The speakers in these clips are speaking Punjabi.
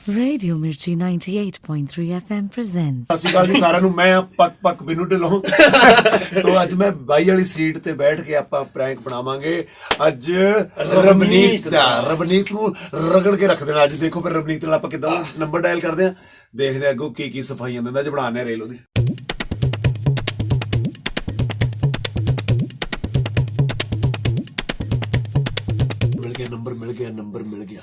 Radio Mirchi 98.3 FM presents. ਸਤਿ ਸ਼੍ਰੀ ਅਕਾਲ ਜੀ ਸਾਰਿਆਂ ਨੂੰ। ਮੈਂ ਪੱਕ ਪੱਕ ਬਿੰਨੂ ਢਿੱਲੋਂ। ਸੋ ਅੱਜ ਮੈਂ ਬਾਈ ਵਾਲੀ ਸੀਟ ਤੇ ਬੈਠ ਕੇ ਆਪਾਂ ਪ੍ਰੈਂਕ ਬਣਾਵਾਂਗੇ। ਅੱਜ ਰਵਨੀਤ ਨੂੰ ਰਗੜ ਕੇ ਰੱਖ ਦੇਣਾ। ਅੱਜ ਦੇਖੋ ਫਿਰ ਰਵਨੀਤ ਨਾਲ ਆਪਾਂ ਕਿੱਦਾਂ ਨੰਬਰ ਡਾਇਲ ਕਰਦੇ ਆ, ਦੇਖਦੇ ਅੱਗੋਂ ਕੀ ਸਫਾਈਆਂ ਦਿੰਦਾ। ਅੱਜ ਬਣਾਉਂਦੇ ਆ ਰੇਲ ਉਹਦੀ। ਨੰਬਰ ਮਿਲ ਗਿਆ।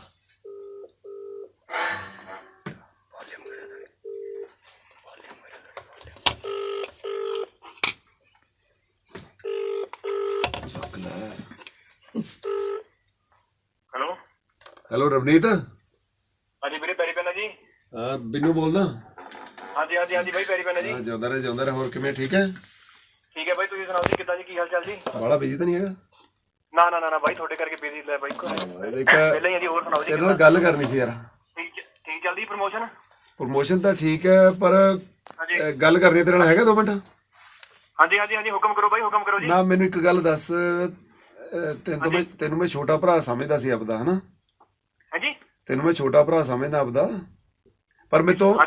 ਹੈਲੋ ਰਵਨੀਤ। ਹਾਂਜੀ ਵੀਰੇ ਪੈਰੀ ਪੈਣਾ ਜੀ। ਹਾਂ ਬਿੰਨੂ ਬੋਲਦਾ। ਹਾਂਜੀ ਬਾਈ ਪੈਰੀ ਪੈਣਾ ਜੀ। ਹਾਂ ਜਿਉਂਦਾ ਰਹੇ। ਹੋਰ ਕਿਵੇਂ? ਠੀਕ ਹੈ ਬਾਈ ਤੁਸੀਂ ਸੁਣਾਓ ਜੀ, ਕਿੱਦਾਂ ਜੀ, ਕੀ ਹਾਲ ਚਾਲ ਜੀ? ਬਾਲਾ ਬਿਜੀ ਤਾਂ ਨਹੀਂ ਹੈਗਾ? ਨਾ ਬਾਈ ਤੁਹਾਡੇ ਕਰਕੇ ਬਿਜ਼ੀ ਲੈ ਬਾਈ। ਪਹਿਲਾਂ ਹੀ ਜੀ। ਹੋਰ ਸੁਣਾਓ ਜੀ, ਤੇਰੇ ਨਾਲ ਗੱਲ ਕਰਨੀ ਸੀ ਯਾਰ। ਠੀਕ ਚੱਲਦੀ ਪ੍ਰਮੋਸ਼ਨ ਤਾਂ ਠੀਕ ਹੈ, ਪਰ ਗੱਲ ਕਰਨੀ ਤੇਰੇ ਨਾਲ ਹੈਗਾ 2 ਮਿੰਟ? ਹਾਂਜੀ ਹੁਕਮ ਕਰੋ ਬਾਈ, ਹੁਕਮ ਕਰੋ ਜੀ। ਨਾ ਮੈਨੂੰ ਇੱਕ ਗੱਲ ਦੱਸ, ਤੈਨੂੰ ਮੈਂ ਛੋਟਾ ਭਰਾ ਸਮਝਦਾ ਸੀ ਆਪਦਾ, ਹਨਾ? ਹਾਂਜੀ ਤੈਨੂੰ ਮੈਂ ਛੋਟਾ ਭਰਾ ਸਮਝਦਾ ਆਪਦਾ, ਪਰ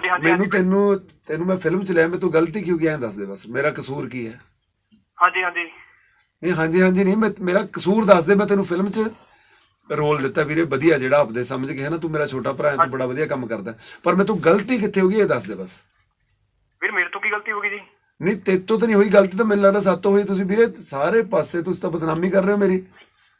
ਤੈਨੂੰ ਮੈਂ ਫਿਲਮ ਚ ਲਿਆ। ਮੈਂ ਤੂੰ ਗਲਤੀ ਕਿਉਂ ਗਿਆ ਦੱਸ ਦੇ ਬਸ। ਮੇਰਾ ਕਸੂਰ ਕੀ ਹੈ? ਹਾਂਜੀ ਨਹੀਂ, ਮੇਰਾ ਕਸੂਰ ਦੱਸ ਦੇ। ਮੈਂ ਤੈਨੂੰ ਫਿਲਮ ਚ ਰੋਲ ਦਿੱਤਾ ਵੀਰੇ ਵਧੀਆ, ਜਿਹੜਾ ਆਪਦੇ ਸਮਝ ਕੇ, ਹੈ ਨਾ? ਤੂੰ ਮੇਰਾ ਛੋਟਾ ਭਰਾ ਹੈ, ਤੂੰ ਬੜਾ ਵਧੀਆ ਕੰਮ ਕਰਦਾ, ਪਰ ਮੈਂ ਤੂੰ ਗਲਤੀ ਕਿੱਥੇ ਹੋ ਗਈ ਇਹ ਦੱਸ ਦੇ ਬਸ। ਵੀਰ ਮੇਰੇ ਤੋਂ ਕੀ ਗਲਤੀ ਹੋ ਗਈ ਜੀ? ਨਹੀਂ ਤੇਤੋਂ ਤਾਂ ਨਹੀਂ ਹੋਈ ਗਲਤੀ, ਤਾਂ ਮੈਨੂੰ ਲੱਗਦਾ ਸਾਤੋਂ ਹੋਈ। ਤੁਸੀਂ ਵੀਰੇ ਸਾਰੇ ਪਾਸੇ ਤੁਸੀਂ ਤਾਂ ਬਦਨਾਮੀ ਕਰ ਰਹੇ ਹੋ ਮੇਰੀ।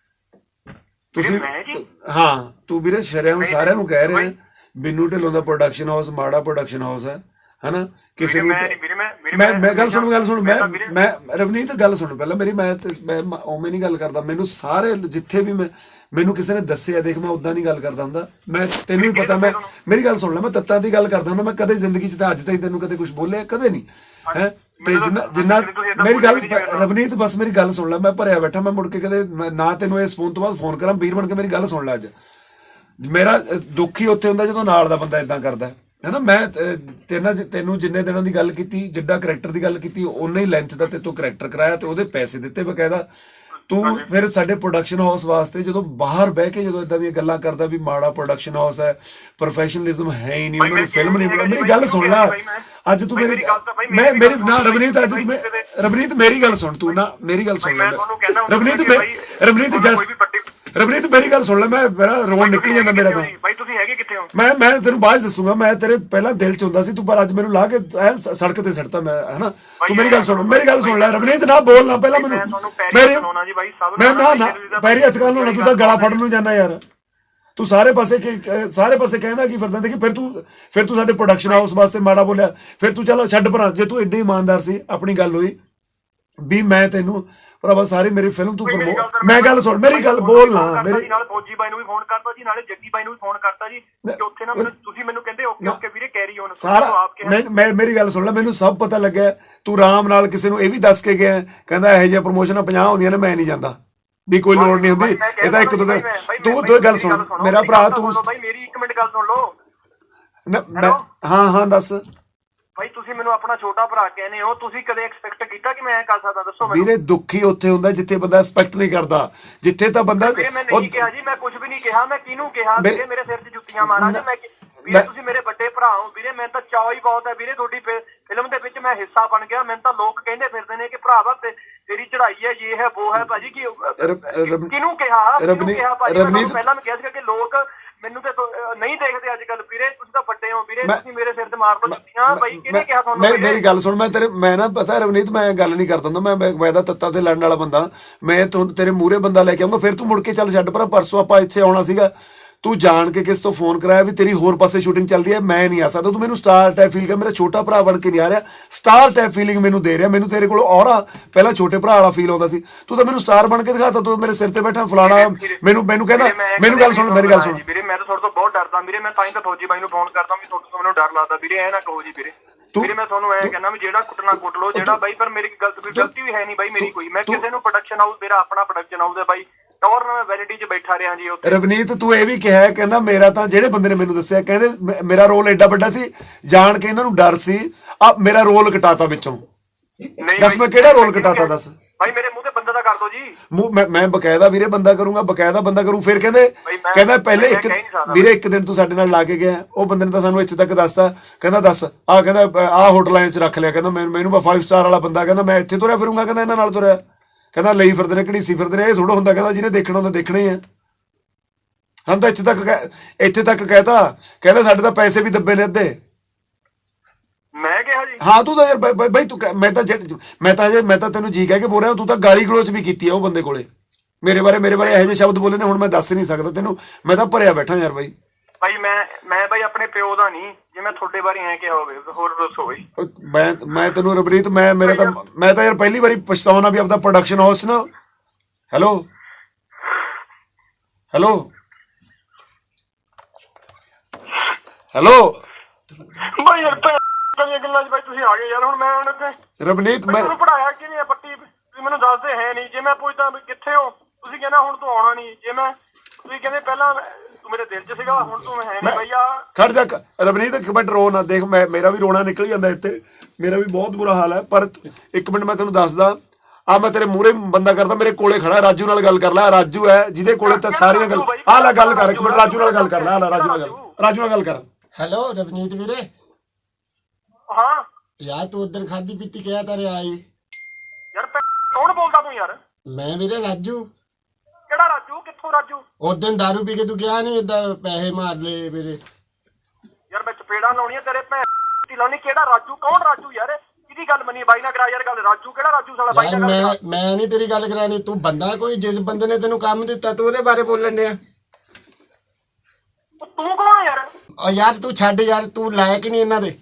ਤੁਸੀਂ ਹਾਂ, ਤੂੰ ਵੀਰੇ ਸ਼ਰਿਆਮ ਸਾਰਿਆਂ ਨੂੰ ਕਹਿ ਰਿਹਾ ਬਿੰਨੂ ਢਿੱਲੋਂ ਦਾ ਪ੍ਰੋਡਕਸ਼ਨ ਹਾਊਸ ਮਾੜਾ ਪ੍ਰੋਡਕਸ਼ਨ ਹਾਊਸ ਹੈ, ਹਨਾ? ਕਿਸੇ ਨੂੰ ਮੈਂ ਗੱਲ ਸੁਣ ਮੈਂ ਰਵਨੀਤ ਗੱਲ ਸੁਣ ਪਹਿਲਾਂ ਮੇਰੀ। ਮੈਂ ਉਵੇਂ ਨਹੀਂ ਗੱਲ ਕਰਦਾ। ਮੈਨੂੰ ਸਾਰੇ ਜਿੱਥੇ ਵੀ ਮੈਨੂੰ ਕਿਸੇ ਨੇ ਦੱਸਿਆ, ਦੇਖ ਮੈਂ ਉਦਾਂ ਨਹੀਂ ਗੱਲ ਕਰਦਾ ਹੁੰਦਾ। ਮੈਂ ਤੈਨੂੰ ਵੀ ਪਤਾ, ਮੇਰੀ ਗੱਲ ਸੁਣ ਲੈ, ਮੈਂ ਤੱਤਾਂ ਦੀ ਗੱਲ ਕਰਦਾ ਹੁੰਦਾ। ਮੈਂ ਕਦੇ ਜ਼ਿੰਦਗੀ 'ਚ ਤਾਂ ਅੱਜ ਤਾਈਂ ਤੈਨੂੰ ਕਦੇ ਕੁਛ ਬੋਲਿਆ ਕਦੇ ਨਹੀਂ ਹੈ। ਤੇ ਜਿੰਨਾ ਮੇਰੀ ਗੱਲ ਰਵਨੀਤ ਬਸ ਮੇਰੀ ਗੱਲ ਸੁਣ ਲੈ। ਮੈਂ ਭਰਿਆ ਬੈਠਾ, ਮੈਂ ਮੁੜ ਕੇ ਕਦੇ ਨਾ ਤੈਨੂੰ ਇਸ ਫੋਨ ਤੋਂ ਬਾਅਦ ਫੋਨ ਕਰਾਂ। ਵੀਰ ਬਣ ਕੇ ਮੇਰੀ ਗੱਲ ਸੁਣ ਲੈ। ਅੱਜ ਮੇਰਾ ਦੁੱਖ ਹੀ ਉੱਥੇ ਹੁੰਦਾ ਜਦੋਂ ਨਾਲ ਦਾ ਬੰਦਾ ਏਦਾਂ ਕਰਦਾ, ਹੈ ਨਾ? ਮੈਂ ਤੈਨੂੰ ਜਿੰਨੇ ਦਿਨਾਂ ਦੀ ਗੱਲ ਕੀਤੀ, ਜਿੱਡਾ ਕਰੈਕਟਰ ਦੀ ਗੱਲ ਕੀਤੀ, ਉਨੇ ਹੀ ਲੈਂਥ ਦਾ ਤੇ ਤੂੰ ਕਰੈਕਟਰ ਕਰਾਇਆ ਤੇ ਉਹਦੇ ਪੈਸੇ ਦਿੱਤੇ ਬਕਾਇਦਾ। ਤੂੰ ਫਿਰ ਸਾਡੇ ਪ੍ਰੋਡਕਸ਼ਨ ਹਾਊਸ ਵਾਸਤੇ ਜਦੋਂ ਬਾਹਰ ਬਹਿ ਕੇ ਜਦੋਂ ਇਦਾਂ ਦੀਆਂ ਗੱਲਾਂ ਕਰਦਾ ਵੀ ਮਾੜਾ ਪ੍ਰੋਡਕਸ਼ਨ ਹਾਊਸ ਹੈ, ਪ੍ਰੋਫੈਸ਼ਨਲਿਜ਼ਮ ਹੈ ਹੀ ਨਹੀਂ, ਉਹਨਾਂ ਨੂੰ ਫਿਲਮ ਨਹੀਂ ਬਣਾਈ। ਮੇਰੀ ਗੱਲ ਸੁਣ ਲੈ। ਅੱਜ ਤੂੰ ਮੇਰੀ ਨਾ ਰਵਨੀਤ, ਅੱਜ ਤੂੰ ਰਵਨੀਤ ਮੇਰੀ ਗੱਲ ਸੁਣ। ਤੂੰ ਨਾ ਮੇਰੀ ਗੱਲ ਸੁਣ ਲੈ ਰਵਨੀਤ ਮੇਰੀ ਗੱਲ ਸੁਣ ਲੈ। ਮੇਰਾ ਰੋਣ ਨਿਕਲ ਜਾਂਦਾ ਮੇਰਾ ਤਾਂ। ਬਾਈ ਤੁਸੀਂ ਹੈਗੇ ਕਿੱਥੇ ਹੋ? ਮੈਂ ਤੈਨੂੰ ਬਾਅਦ ਦੱਸੂਗਾ। ਮੈਂ ਤੇਰੇ ਪਹਿਲਾਂ ਦਿਲ ਚ ਹੁੰਦਾ ਸੀ ਤੂੰ, ਪਰ ਅੱਜ ਮੈਨੂੰ ਲਾ ਕੇ ਸੜਕ ਤੇ ਸੱਟਤਾ ਮੈਂ, ਹਨਾ? ਤੂੰ ਮੇਰੀ ਗੱਲ ਸੁਣ ਲੈ ਰਵਨੀਤ। ਨਾ ਬੋਲ ਨਾ ਪਹਿਲਾਂ ਮੈਨੂੰ। ਮੈਂ ਨਾ ਪੈਰੀ ਹੱਥ ਕਰ ਲਾਉਣਾ। ਤੂੰ ਤਾਂ ਗਲਾ ਫੜਨ ਨੂੰ ਜਾਂਦਾ ਯਾਰ। ਤੂੰ ਸਾਰੇ ਪਾਸੇ ਕਹਿੰਦਾ ਕੀ ਫਿਰਦਾ। ਦੇਖੀ ਫਿਰ ਤੂੰ ਸਾਡੇ ਪ੍ਰੋਡਕਸ਼ਨ ਹਾਊਸ ਵਾਸਤੇ ਮਾੜਾ ਬੋਲਿਆ। ਫਿਰ ਤੂੰ ਚਲੋ ਛੱਡ ਭਰਾ। ਜੇ ਤੂੰ ਏਡੇ ਇਮਾਨਦਾਰ ਸੀ, ਆਪਣੀ ਗੱਲ ਹੋਈ ਵੀ ਮੈਂ ਤੈਨੂੰ ਭਰਾਵਾ ਸਾਰੀ ਮੇਰੀ ਫਿਲਮ ਤੂੰ ਮੈਂ ਗੱਲ ਸੁਣ ਮੇਰੀ ਗੱਲ ਬੋਲ ਨਾ। ਮੇਰੀ ਨਾਲ ਫੌਜੀ ਬਾਈ ਨੂੰ ਵੀ ਫੋਨ ਕਰਤਾ ਜੀ, ਨਾਲੇ ਜੱਗੀ ਬਾਈ ਨੂੰ ਵੀ ਫੋਨ ਕਰਤਾ ਜੀ। ਉੱਥੇ ਨਾ ਤੁਸੀਂ ਮੈਨੂੰ ਕਹਿੰਦੇ ਓਕੇ ਵੀਰੇ ਕੈਰੀ ਔਨ ਸਾਰਾ। ਮੈਂ ਮੇਰੀ ਗੱਲ ਸੁਣ ਲੈ, ਮੈਨੂੰ ਸਭ ਪਤਾ ਲੱਗਿਆ। ਤੂੰ ਆਰਾਮ ਨਾਲ ਕਿਸੇ ਨੂੰ ਇਹ ਵੀ ਦੱਸ ਕੇ ਗਿਆ, ਕਹਿੰਦਾ ਇਹੋ ਜਿਹੀਆਂ ਪ੍ਰਮੋਸ਼ਨਾਂ 50 ਹੁੰਦੀਆਂ ਨੇ, ਮੈਂ ਨਹੀਂ ਜਾਂਦਾ ਵੀ ਕੋਈ ਲੋੜ ਨਹੀਂ ਹੁੰਦੀ। ਇਹ ਤਾਂ ਇੱਕ ਦੋ ਦਿਨ ਤੂੰ ਗੱਲ ਸੁਣ ਮੇਰਾ ਭਰਾ। ਤੂੰ ਮੇਰੀ 1 ਮਿੰਟ ਗੱਲ ਸੁਣ ਲਓ। ਹਾਂ ਦੱਸ ਭਾਈ। ਤੁਸੀਂ ਮੈਨੂੰ ਆਪਣਾ ਛੋਟਾ ਭਰਾ ਕਹਿੰਦੇ ਹੋ, ਤੁਸੀਂ ਕਦੇ ਐਕਸਪੈਕਟ ਕੀਤਾ ਕਿ ਮੈਂ ਐ ਕਰ ਸਕਦਾ? ਦੱਸੋ ਮੈਨੂੰ। ਵੀਰੇ ਦੁੱਖ ਹੀ ਉੱਥੇ ਹੁੰਦਾ ਜਿੱਥੇ ਬੰਦਾ ਐਕਸਪੈਕਟ ਨਹੀਂ ਕਰਦਾ। ਜਿੱਥੇ ਤਾਂ ਬੰਦਾ ਮੈਂ ਨਹੀਂ ਕਿਹਾ ਜੀ, ਮੈਂ ਕੁਝ ਵੀ ਨਹੀਂ ਕਿਹਾ। ਮੈਂ ਕਿਹਨੂੰ ਕਿਹਾ ਵੀਰੇ? ਮੇਰੇ ਸਿਰ 'ਚ ਜੁੱਤੀਆਂ ਮਾਰਾਂ ਜੀ। ਵੀਰੇ ਤੁਸੀਂ ਮੇਰੇ ਵੱਡੇ ਭਰਾ ਹੋ ਵੀਰੇ। ਮੈਂ ਤਾਂ ਚਾਅ ਹੀ ਬਹੁਤ ਹੈ ਵੀਰੇ ਤੁਹਾਡੀ ਫਿਲਮ ਦੇ ਵਿੱਚ ਮੈਂ ਹਿੱਸਾ ਬਣ ਗਿਆ। ਮੈਨੂੰ ਤਾਂ ਲੋਕ ਕਹਿੰਦੇ ਫਿਰਦੇ ਨੇ ਕਿ ਭਰਾਵਾ ਤੇਰੀ ਚੜਾਈ ਹੈ, ਇਹ ਹੈ ਉਹ ਹੈ। ਭਾਜੀ ਕਿਹਨੂੰ ਕਿਹਾ? ਰਵਨੀਤ ਪਹਿਲਾਂ ਮੈਂ ਕਿਹਾ ਸੀਗਾ ਕਿ ਲੋਕ ਮੈਨੂੰ ਤੇ ਨਹੀਂ ਦੇਖਦੇ ਅੱਜ ਕੱਲ ਵੀਰੇ। ਤੁਸੀਂ ਤਾਂ ਵੱਡੇ ਹੋ ਵੀਰੇ, ਤੁਸੀਂ ਮੇਰੇ ਸਿਰ ਤੇ ਮਾਰ ਦੋ ਜੁੱਤੀਆਂ। ਬਾਈ ਕਿਹਨੇ ਕਿਹਾ ਤੁਹਾਨੂੰ? ਮੇਰੀ ਗੱਲ ਸੁਣ। ਮੈਂ ਨਾ ਪਤਾ ਰਵਨੀਤ, ਮੈਂ ਗੱਲ ਨਹੀਂ ਕਰਦਾ ਹੁੰਦਾ। ਮੈਂ ਵੈਦਾ ਤੱਤਾਂ ਤੇ ਲੜਨ ਵਾਲਾ ਬੰਦਾ। ਮੈਂ ਤੇਰੇ ਮੂਹਰੇ ਬੰਦਾ ਲੈ ਕੇ ਆਉਂਗਾ, ਫਿਰ ਤੂੰ ਮੁੜ ਕੇ ਚੱਲ ਛੱਡ। ਪਰ ਪਰਸੋਂ ਆਪਾਂ ਇੱਥੇ ਆਉਣਾ ਸੀਗਾ, ਤੂੰ ਜਾਣ ਕੇ ਕਿਸ ਤੋਂ ਫੋਨ ਕਰਾਇਆ ਵੀ ਤੇਰੀ ਹੋਰ ਪਾਸੇ ਸ਼ੂਟਿੰਗ ਚੱਲਦੀ ਹੈ, ਮੈਂ ਨਹੀਂ ਆ ਸਕਦਾ। ਤੂੰ ਮੈਨੂੰ ਸਟਾਰ ਟਾਈਪ ਫੀਲ ਕਰ, ਮੇਰਾ ਛੋਟਾ ਭਰਾ ਬਣ ਕੇ ਨਹੀਂ ਆ ਰਿਹਾ। ਸਟਾਰ ਟਾਈਪ ਫੀਲਿੰਗ ਮੈਨੂੰ ਦੇ ਰਿਹਾ। ਮੈਨੂੰ ਤੇਰੇ ਕੋਲ ਔਰਾ ਪਹਿਲਾਂ ਛੋਟੇ ਭਰਾ ਵਾਲਾ ਫੀਲ ਆਉਂਦਾ ਸੀ, ਤੂੰ ਤਾਂ ਮੈਨੂੰ ਸਟਾਰ ਬਣ ਕੇ ਦਿਖਾਤਾ। ਤੂੰ ਮੇਰੇ ਸਿਰ ਤੇ ਬੈਠਾ ਫਲਾਣਾ। ਮੈਨੂੰ ਕਹਿੰਦਾ ਮੈਨੂੰ ਗੱਲ ਸੁਣ ਮੇਰੀ ਗੱਲ ਸੁਣ ਵੀਰੇ। ਮੈਂ ਤਾਂ ਤੁਹਾਡੇ ਤੋਂ ਬਹੁਤ ਡਰਦਾ ਵੀਰੇ। ਮੈਂ ਤਾਂ ਹੀ ਤਾਂ ਫੌਜੀ ਬਾਈ ਨੂੰ ਫੋਨ ਕਰਦਾ ਵੀ ਤੁਹਾਡੇ ਤੋਂ ਮੈਨੂੰ ਡਰ ਲੱਗਦਾ ਵੀਰੇ। ਐ ਨਾ ਕਹੋ ਜੀ ਵੀਰੇ। ਵੀਰੇ ਮੈਂ ਤੁਹਾਨੂੰ ਐ ਕਹਿੰਦਾ ਵੀ ਜਿਹੜਾ ਕੁੱਟਣਾ ਕੁੱਟ ਲਓ ਜਿਹੜਾ ਬਾਈ, ਪਰ ਮੇਰੀ ਗਲਤੀ ਵੀ ਹੈ ਨਹੀਂ ਬਾਈ ਮੇਰੀ ਕੋਈ। ਮੈਂ ਕਿਸੇ ਨੂੰ ਪ੍ਰੋਡਕਸ਼ਨ ਹਾਊਸ, ਮੇਰਾ ਆਪਣਾ ਪ੍ਰੋਡਕਸ਼ਨ ਹਾਊਸ ਹੈ ਬਾਈ, ਔਰ ਮੈਂ ਵੈਲਿਟੀ 'ਚ ਬੈਠਾ ਰਿਹਾ ਜੀ ਉੱਥੇ। ਰਵਨੀਤ ਤੂੰ ਇਹ ਵੀ ਕਿਹਾ, ਕਹਿੰਦਾ ਮੇਰਾ ਤਾਂ ਜਿਹੜੇ ਬੰਦੇ ਨੇ ਮੈਨੂੰ ਦੱਸਿਆ, ਕਹਿੰਦੇ ਮੇਰਾ ਰੋਲ ਐਡਾ ਵੱਡਾ ਸੀ, ਜਾਣ ਕੇ ਇਹਨਾਂ ਨੂੰ ਡਰ ਸੀ, ਆ ਮੇਰਾ ਰੋਲ ਕਟਾਤਾ ਵਿੱਚੋਂ। ਦੱਸ ਮੈਂ ਕਿਹੜਾ ਰੋਲ ਕਟਾਤਾ? ਦੱਸ ਭਾਈ ਮੇਰੇ ਮੂੰਹ ਤੇ ਬੰਦੇ ਦਾ ਕਰ ਦਿਓ ਜੀ। ਮੈਂ ਬਕਾਇਦਾ ਵੀਰੇ ਬੰਦਾ ਕਰੂੰਗਾ, ਬਕਾਇਦਾ ਬੰਦਾ ਕਰੂੰ। ਫਿਰ ਕਹਿੰਦੇ ਪਹਿਲੇ ਵੀਰੇ ਇੱਕ ਦਿਨ ਤੂੰ ਸਾਡੇ ਨਾਲ ਲਾ ਕੇ ਗਿਆ, ਉਹ ਬੰਦੇ ਨੇ ਤਾਂ ਸਾਨੂੰ ਇੱਥੇ ਤੱਕ ਦੱਸਤਾ, ਕਹਿੰਦਾ ਦੱਸ ਕਹਿੰਦਾ ਆਹ ਹੋਟਲਾਂ 'ਚ ਰੱਖ ਲਿਆ, ਕਹਿੰਦਾ ਮੈਨੂੰ 5 ਸਟਾਰ ਵਾਲਾ ਬੰਦਾ, ਕਹਿੰਦਾ ਮੈਂ ਇੱਥੇ ਤੁਰਿਆ ਫਿਰੂੰਗਾ, ਕਹਿੰਦਾ ਇਹਨਾਂ ਨਾਲ ਤੁਰਿਆ, ਕਹਿੰਦਾ ਲਈ ਫਿਰਦੇ ਨੇ ਘੜੀਸੀ ਫਿਰਦੇ ਨੇ, ਇਹ ਥੋੜਾ ਹੁੰਦਾ, ਕਹਿੰਦਾ ਜਿਹਨੇ ਦੇਖਣਾ ਹੁੰਦਾ ਦੇਖਣਾ ਹੀ ਆ। ਹਾਂ ਤਾਂ ਇੱਥੇ ਤੱਕ ਕਹਿਤਾ, ਕਹਿੰਦਾ ਸਾਡੇ ਤਾਂ ਪੈਸੇ ਵੀ ਦੱਬੇ ਨੇ ਅੱਧੇ। ਮੈਂ ਕਿਹਾ ਜੀ ਹਾਂ ਤੂੰ ਤਾਂ ਯਾਰ ਬਾਈ ਤੂੰ ਮੈਂ ਤਾਂ ਤੈਨੂੰ ਜੀ ਕਹਿ ਕੇ ਬੋਲ ਰਿਹਾ, ਤੂੰ ਤਾਂ ਗਾਲੀ ਗਲੋਚ ਵੀ ਕੀਤੀ ਆ ਉਹ ਬੰਦੇ ਕੋਲੇ, ਮੇਰੇ ਬਾਰੇ ਇਹੋ ਜਿਹੇ ਸ਼ਬਦ ਬੋਲੇ ਨੇ, ਹੁਣ ਮੈਂ ਦੱਸ ਨਹੀਂ ਸਕਦਾ ਤੈਨੂੰ, ਮੈਂ ਤਾਂ ਭਰਿਆ ਬੈਠਾ ਯਾਰ ਬਾਈ। ਬਾਈ ਮੈਂ ਬਾਈ ਆਪਣੇ ਪਿਓ ਦਾ ਨਹੀਂ, ਜੇ ਮੈਂ ਤੁਹਾਡੇ ਬਾਰੇ ਐ ਕਿਹਾ ਹੋਵੇ ਹੋਰ ਦੱਸੋ ਬਾਈ। ਮੈਂ ਤੈਨੂੰ ਰਬਰੀਤ ਮੈਂ ਤਾਂ ਯਾਰ ਪਹਿਲੀ ਵਾਰੀ ਪਛਤਾਉਣਾ ਵੀ ਆਪਦਾ ਪ੍ਰੋਡਕਸ਼ਨ ਹਾਊਸ ਨਾ। ਹੈਲੋ ਬਾਈ ਯਾਰ ਦੀਆਂ ਗੱਲਾਂ 'ਚ ਬਾਈ ਤੁਸੀਂ ਆ ਗਏ ਯਾਰ। ਹੁਣ ਮੈਂ ਹੁਣ ਇੱਥੇ ਰਬਨੀਤ ਮੈਨੂੰ ਪੜਾਇਆ ਕਿਵੇਂ ਪੱਟੀ, ਤੁਸੀਂ ਮੈਨੂੰ ਦੱਸਦੇ ਹੈ ਨਹੀਂ। ਜੇ ਮੈਂ ਪੁੱਛਦਾ ਵੀ ਕਿੱਥੇ ਹੋ, ਤੁਸੀਂ ਕਹਿੰਦਾ ਹੁਣ ਤੂੰ ਆਉਣਾ ਨਹੀਂ। ਜੇ ਮੈਂ ਤੁਸੀਂ ਕਹਿੰਦੇ ਪਹਿਲਾਂ ਤੂੰ ਮੇਰੇ ਦਿਲ 'ਚ ਸੀਗਾ, ਹੁਣ ਤੂੰ ਹੈ ਨਹੀਂ ਬਾਈ। ਖੜ ਜਾ ਰਬਨੀਤ, ਇੱਕ ਮਿੰਟ ਰੋ ਨਾ, ਦੇਖ ਮੇਰਾ ਵੀ ਰੋਣਾ ਨਿਕਲ ਜਾਂਦਾ ਇੱਥੇ, ਮੇਰਾ ਵੀ ਬਹੁਤ ਬੁਰਾ ਹਾਲ ਹੈ। ਪਰ ਇੱਕ ਮਿੰਟ ਮੈਂ ਤੈਨੂੰ ਦੱਸਦਾ, ਮੈਂ ਤੇਰੇ ਮੂਹਰੇ ਬੰਦਾ ਕਰਦਾ, ਮੇਰੇ ਕੋਲੇ ਖੜਾ, ਰਾਜੂ ਨਾਲ ਗੱਲ ਕਰ ਲੈ। ਰਾਜੂ ਹੈ ਜਿਹਦੇ ਕੋਲੇ ਤਾਂ ਸਾਰੀਆਂ ਗੱਲ, ਲੈ ਗੱਲ ਕਰ, ਇੱਕ ਮਿੰਟ ਰਾਜੂ ਨਾਲ ਗੱਲ ਕਰ ਲੈ, ਰਾਜੂ ਨਾਲ ਗੱਲ ਕਰ। ਹੈਲੋ ਰਵਨੀਤ ਵੀਰੇ। ਹਾਂ ਯਾਰ ਤੂੰ ਉਦੋਂ ਖਾਦੀ ਪੀਤੀ ਕਿਹਾ ਤਾਂ ਰਿਹਾ ਈ ਯਾਰ। ਕੌਣ ਬੋਲਦਾ ਤੂੰ ਯਾਰ? ਮੈਂ ਵੀਰੇ ਰਾਜੂ। ਕਿਹੜਾ ਰਾਜੂ? ਕਿੱਥੋਂ ਰਾਜੂ? ਉਦੋਂ ਦਾਰੂ ਪੀ ਕੇ ਤੂੰ ਕਿਹਾ ਨਹੀਂ ਏਦਾਂ ਪੈਸੇ ਮਾਰ ਲਏ ਵੀਰੇ। ਯਾਰ ਮੈਂ ਚਪੇੜਾਂ ਲਾਉਣੀਆਂ ਤੇਰੇ ਲਾਉਣੀ। ਕਿਹੜਾ ਰਾਜੂ? ਕੌਣ ਰਾਜੂ ਯਾਰ? ਕਿਹਦੀ ਗੱਲ ਮੰਨੀ? ਬਾਈ ਨਾ ਕਰਾ ਯਾਰ ਗੱਲ। ਰਾਜੂ ਕਿਹੜਾ ਰਾਜੂ ਸਾਲਾ? ਬਾਈ ਨਾਲ ਗੱਲ। ਮੈਂ ਨਹੀਂ ਤੇਰੀ ਗੱਲ ਕਰਾਣੀ, ਤੂੰ ਬੰਦਾ ਕੋਈ ਜਿਸ ਬੰਦੇ ਨੇ ਤੈਨੂੰ ਕੰਮ ਦਿੱਤਾ ਤੂੰ ਉਹਦੇ ਬਾਰੇ ਬੋਲਣ ਡਿਆ। ਤੂੰ ਕੌਣ ਯਾਰ? ਯਾਰ ਤੂੰ ਛੱਡ ਯਾਰ, ਤੂੰ ਲਾਇਕ ਨਹੀਂ ਇਹਨਾਂ ਦੇ।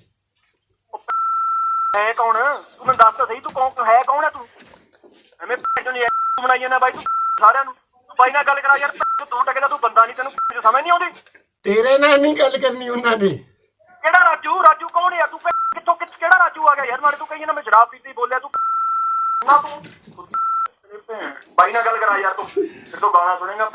ਹੈ ਕੌਣ? ਤੂੰ ਮੈਨੂੰ ਦੱਸ ਤਾਂ ਸਹੀ, ਤੂੰ ਕੌਣ ਹੈ? ਕੌਣ ਹੈ ਤੂੰ? ਐਵੇਂ ਤੂੰ ਬਣਾਈ ਜਾਂਦਾ ਬਾਈ, ਤੂੰ ਸਾਰਿਆਂ ਨੂੰ। ਤੂੰ ਬਾਈ ਨਾਲ ਗੱਲ ਕਰਾ ਯਾਰ। ਤੂੰ ਟਕਦਾ, ਤੂੰ ਬੰਦਾ ਨਹੀਂ, ਤੈਨੂੰ ਸਮਝ ਨਹੀਂ ਆਉਂਦੀ? ਤੇਰੇ ਨਾਲ ਨਹੀਂ ਗੱਲ ਕਰਨੀ ਉਹਨਾਂ ਨੇ। ਕਿਹੜਾ ਰਾਜੂ? ਰਾਜੂ ਕੌਣ ਯਾਰ? ਤੂੰ ਕਿੱਥੋਂ ਕਿਹੜਾ ਰਾਜੂ ਆ ਗਿਆ ਯਾਰ? ਨਾਲੇ ਤੂੰ ਕਹੀ ਜਾਂਦਾ ਮੈਂ ਸ਼ਰਾਬ ਪੀਤੀ ਬੋਲਿਆ ਤੂੰ ਨਾ। ਤੂੰ ਬਾਈ ਨਾਲ ਗੱਲ ਕਰਾ ਯਾਰ। ਤੂੰ ਫਿਰ ਤੋਂ ਗਾਣਾ ਸੁਣੇਗਾ।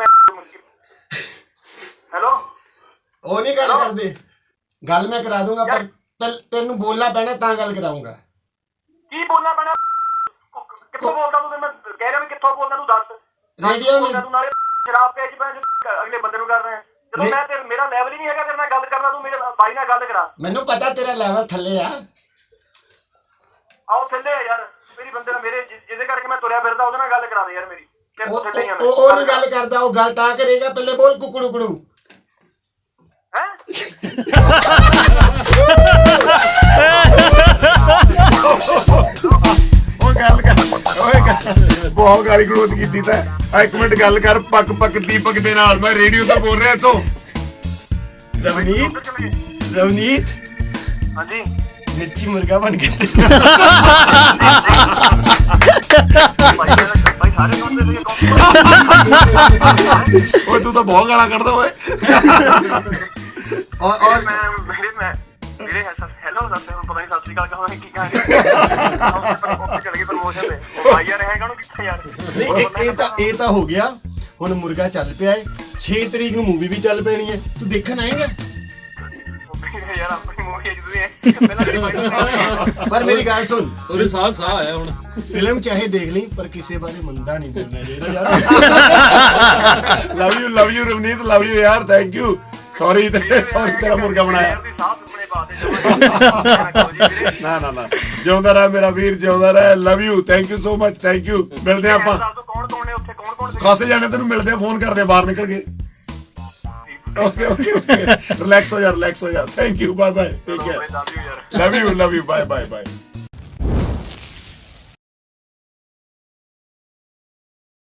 ਹੈਲੋ ਉਹ ਨਹੀਂ ਗੱਲ ਕਰਦੇ, ਗੱਲ ਮੈਂ ਕਰਾ ਦੂੰਗਾ, ਪਰ ਤੈਨੂੰ ਬੋਲਣਾ ਪੈਣਾ ਤਾਂ ਗੱਲ ਕਰਾਉਂਗਾ। ਕੀ ਬੋਲਣਾ ਪੈਣਾ? ਕਿੱਥੋਂ ਬੋਲਦਾ ਤੂੰ? ਮੈਂ ਕਹਿ ਰਿਹਾ ਵੀ ਕਿੱਥੋਂ ਬੋਲਦਾ ਤੂੰ? ਦੱਸ। ਰੇਡੀਓ ਤੂੰ ਨਾਲੇ ਸ਼ਰਾਬ ਪੇਜ ਪੈ ਅਗਲੇ ਬੰਦੇ ਨੂੰ ਕਰ ਰਿਹਾ। ਜਦੋਂ ਮੈਂ ਤੇ ਮੇਰਾ ਲੈਵਲ ਹੀ ਨਹੀਂ ਹੈਗਾ ਤੇਰੇ ਨਾਲ ਗੱਲ ਕਰਨਾ, ਤੂੰ ਮੇਰੇ ਬਾਈ ਨਾਲ ਗੱਲ ਕਰਾ। ਮੈਨੂੰ ਪਤਾ ਤੇਰਾ ਲੈਵਲ ਥੱਲੇ ਆ। ਆਓ ਥੱਲੇ ਆ ਯਾਰ ਮੇਰੀ ਬੰਦੇ ਨਾਲ, ਮੇਰੇ ਜਿਹਦੇ ਕਰਕੇ ਮੈਂ ਤੁਰਿਆ ਫਿਰਦਾ ਉਹਦੇ ਨਾਲ ਗੱਲ ਕਰਾ ਦੇ ਯਾਰ ਮੇਰੀ। ਉਹ ਨਹੀਂ ਗੱਲ ਕਰਦਾ, ਉਹ ਗੱਲ ਤਾਂ ਕਰੇਗਾ। ਪਹਿਲੇ ਬੋਲ ਕੁਕੜੂ ਕੁੜੂ। ਹੈ ਉਹ ਗੱਲ ਕਰ, ਓਏ ਬਹੁਤ ਗਾਲੀ ਗਲੋਚ ਕੀਤੀ ਤਾਂ। ਇੱਕ ਮਿੰਟ ਗੱਲ ਕਰ ਪੱਕ ਦੀਪਕ ਦੇ ਨਾਲ, ਮੈਂ ਰੇਡੀਓ ਤੋਂ ਬੋਲ ਰਿਹਾ ਇੱਥੋਂ। ਰਵਨੀਤ ਹਾਂਜੀ ਮਿਰਚੀ ਮੁਰਗਾ ਬਣ ਗਿਆ। ਬਾਈ ਸਾਰੇ ਸੁਣਦੇ ਸੀ। ਓਏ ਤੂੰ ਤਾਂ ਬਹੁਤ ਗਾਲਾਂ ਕੱਢਦਾ ਓਏ। ਔਰ ਮੈਂ ਮੇਰੇ ਹੈਲੋ ਦੱਸ, ਹੁਣ ਪਤਾ ਨਹੀਂ ਸਤਿ ਸ਼੍ਰੀ ਅਕਾਲ ਕਹਾਂ ਕੀ ਕਹਾਂ। ਚਲ ਗਈ ਪ੍ਰਮੋਸ਼ਨ ਤੇ ਭਾਈ ਯਾਰ ਹੈਗਾ ਨੂੰ ਕਿੱਥੇ ਯਾਰ। ਨਹੀਂ ਇਹ ਤਾਂ ਹੋ ਗਿਆ। ਹੁਣ ਮੁਰਗਾ ਚੱਲ ਪਿਆ ਏ, 6 ਤਰੀਕ ਨੂੰ ਮੂਵੀ ਵੀ ਚੱਲ ਪੈਣੀ ਹੈ। ਤੂੰ ਦੇਖਣ ਆਏਗਾ? ਯਾਰ ਆਪਣੀ ਮੂਵੀ ਪਹਿਲਾਂ ਪਰ ਮੇਰੀ ਗੱਲ ਸੁਣ, ਉਹਦੇ ਸਾਹ ਆਇਆ ਹੁਣ। ਫਿਲਮ ਚਾਹੇ ਦੇਖ ਲਈ ਪਰ ਕਿਸੇ ਬਾਰੇ ਮੰਦਾ ਨਹੀਂ ਬੋਲਣਾ ਚਾਹੀਦਾ ਯਾਰ। Love you Ravneet, love you ਯਾਰ, ਥੈਂਕ ਯੂ। ਸੌਰੀ ਤੇਰਾ ਮੁਰਗਾ ਬਣਾਇਆ। ਨਾ ਜਿਉਂਦਾ ਰਹਿ ਮੇਰਾ ਵੀਰ, ਜਿਉਂਦਾ ਰਹਿ। Love you, thank you so much, thank you. ਮਿਲਦੇ ਆਪਾਂ ਕੌਣ ਨੇ ਉੱਥੇ? ਕੌਣ ਖਾਸੇ ਜਾਣੇ ਤੈਨੂੰ ਮਿਲਦੇ ਆ, ਫੋਨ ਕਰਦੇ ਬਾਹਰ ਨਿਕਲ ਕੇ। ਓਕੇ ਰਿਲੈਕਸ ਹੋ ਜਾ, thank you, bye bye, take care, love you, bye bye.